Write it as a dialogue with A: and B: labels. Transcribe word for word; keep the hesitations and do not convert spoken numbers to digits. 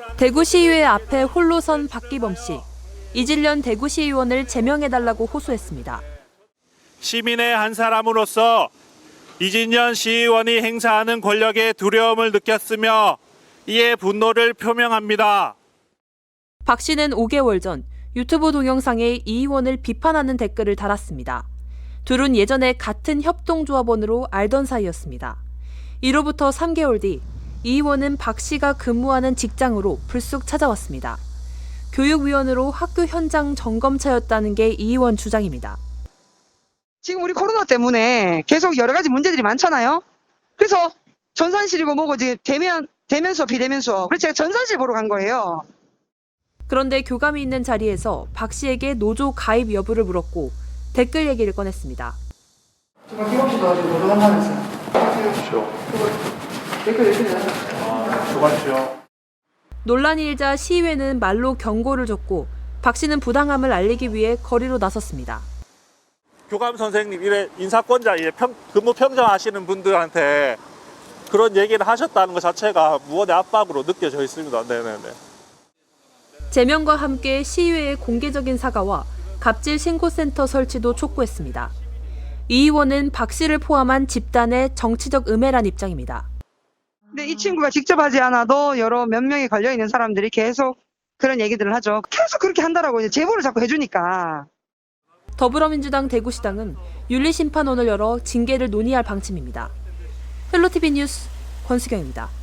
A: 대구시의회 앞에 홀로 선 박기범 씨. 이질련 대구시의원을 제명해달라고 호소했습니다.
B: 시민의 한 사람으로서 이진련 시의원이 행사하는 권력에 두려움을 느꼈으며 이에 분노를 표명합니다.
A: 박 씨는 오 개월 전 유튜브 동영상에 이 의원을 비판하는 댓글을 달았습니다. 둘은 예전에 같은 협동조합원으로 알던 사이였습니다. 이로부터 삼 개월 뒤 이 의원은 박 씨가 근무하는 직장으로 불쑥 찾아왔습니다. 교육위원으로 학교 현장 점검차였다는 게 이 의원 주장입니다.
C: 지금 우리 코로나 때문에 계속 여러 가지 문제들이 많잖아요. 그래서 전산실이고 뭐고 지금 대면, 대면 수업, 비대면 수업. 그래서 제가 전산실 보러 간 거예요.
A: 그런데 교감이 있는 자리에서 박 씨에게 노조 가입 여부를 물었고 댓글 얘기를 꺼냈습니다.
C: 정말 기범 씨도 지금 노조 한다면서요.
B: 그렇죠.
C: 댓글 열심히 달았어요.
B: 아, 수고하십시오.
A: 논란이 일자 시의회는 말로 경고를 줬고 박 씨는 부당함을 알리기 위해 거리로 나섰습니다.
B: 교감 선생님, 이래 인사권자, 이래 평, 근무 평정하시는 분들한테 그런 얘기를 하셨다는 것 자체가 무언의 압박으로 느껴져 있습니다. 네네네.
A: 제명과 함께 시의회의 공개적인 사과와 갑질 신고센터 설치도 촉구했습니다. 이 의원은 박 씨를 포함한 집단의 정치적 음해란 입장입니다.
C: 근데 이 친구가 직접 하지 않아도 여러 몇 명이 걸려있는 사람들이 계속 그런 얘기들을 하죠. 계속 그렇게 한다라고 이제 제보를 자꾸 해주니까.
A: 더불어민주당 대구시당은 윤리심판원을 열어 징계를 논의할 방침입니다. 헬로티비 뉴스 권수경입니다.